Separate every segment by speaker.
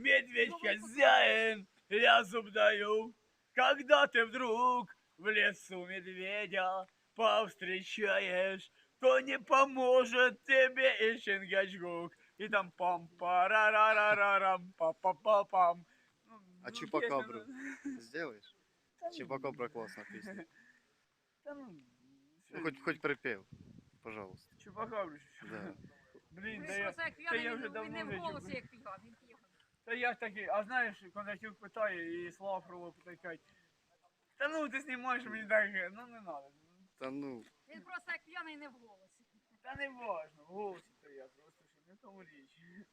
Speaker 1: медведь хозяин, я зуб даю. Когда ты вдруг в лесу медведя повстречаешь, то не поможет тебе и Чингачгук. И там пам-парарарарам, па-па-па-пам.
Speaker 2: А Чупакабру сделаешь? Чупакабра классная песня.
Speaker 1: Да ну,
Speaker 2: Ну хоть припев, пожалуйста.
Speaker 1: Чупакабру.
Speaker 2: Да.
Speaker 1: Блін,
Speaker 3: Він просто як
Speaker 1: та я
Speaker 3: п'яний,
Speaker 1: вже
Speaker 3: він
Speaker 1: давно
Speaker 3: не в
Speaker 1: вже
Speaker 3: голосі,
Speaker 1: чув.
Speaker 3: як п'яний, він п'яний.
Speaker 1: Та я такий, а знаєш, Кондратюк питає і Слава Фролов питає, кажуть, та ну ти знімаєш мені так, ну не надо.
Speaker 2: Та ну,
Speaker 3: Він просто як п'яний, не в голосі.
Speaker 1: Та не важно, в голосі то я просто, що не в тому річ.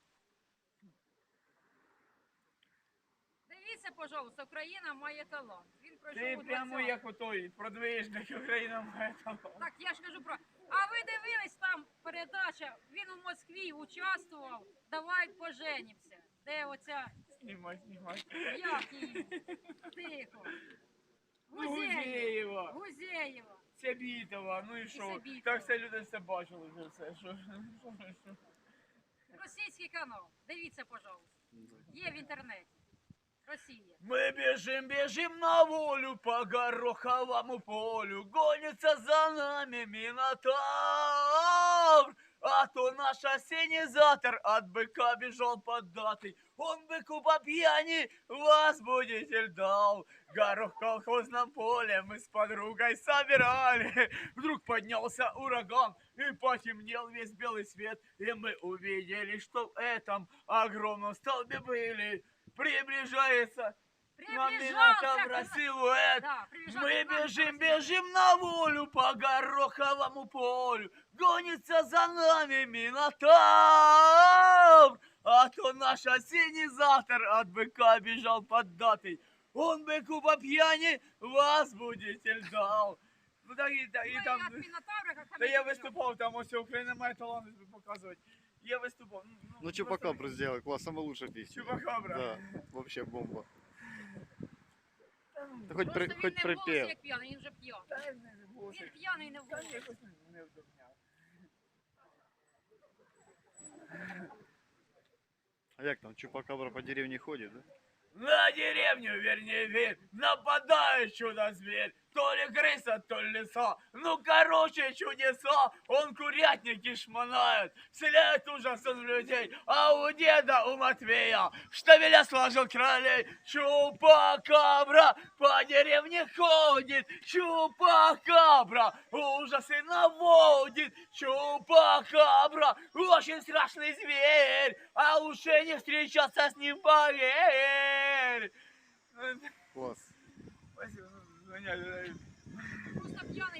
Speaker 3: Дивіться, пожалуйста, Україна має талант. Він пройшов
Speaker 1: Ти
Speaker 3: у
Speaker 1: прямо
Speaker 3: 20-му.
Speaker 1: як отой продвижник Україна має талант.
Speaker 3: Так, я ж кажу про... А ви дивились там передача, він у Москві участвував, давай поженімся. Де оця,
Speaker 1: Знімай.
Speaker 3: як її? Тихо.
Speaker 1: Ну, Гузєєва.
Speaker 3: Гузєєва.
Speaker 1: Цябітова, ну і що?
Speaker 3: Цябітова.
Speaker 1: Так все люди все бачили вже все. Що?
Speaker 3: Російський канал. Дивіться, пожалуйста. Є в інтернеті. Росія.
Speaker 1: Мы бежим на волю по гороховому полю, гонится за нами Минотавр. А то наш осенизатор от быка бежал поддатый, он быку по пьяни возбудитель дал. Горох в колхозном поле мы с подругой собирали, вдруг поднялся ураган и потемнел весь белый свет, и мы увидели, что в этом огромном столбе были. Приближается нам Минотавра силуэт.
Speaker 3: Да,
Speaker 1: Мы бежим на волю по гороховому полю. Гонится за нами Минотавр. А то наш осенизатор от быка бежал поддатый. Он быку по пьяни возбудитель дал. Ну так и там... Да я выступал, там все Украина має талант показывать. Я выступал.
Speaker 2: ну Чупакабру сделай, класс, самая лучшая песня.
Speaker 1: Чупакабра.
Speaker 2: Да, вообще бомба. Ты
Speaker 3: Просто
Speaker 2: хоть
Speaker 3: він не в голосі,
Speaker 2: припев.
Speaker 3: як п'яний, він вже п'яний.
Speaker 1: Та я не був.
Speaker 3: Він п'яний, не в
Speaker 1: Та
Speaker 3: голосі.
Speaker 1: якось не вдохняв.
Speaker 2: А як там, Чупакабра по деревне ходит, да?
Speaker 1: На деревню, вернее, вид, нападает чудо-зверь. То ли крыса, то ли лиса. Ну, короче, чудеса. Он курятники шмонает, вселяет ужас в людей. А у деда, у Матвея, в штабеля сложил кролей. Чупакабра по деревне ходит. Чупакабра ужасы наводит. Чупакабра очень страшный зверь. А лучше не встречаться с ним, поверь.
Speaker 2: Класс.
Speaker 1: Спасибо, ну, понятно.
Speaker 3: Просто п'яний.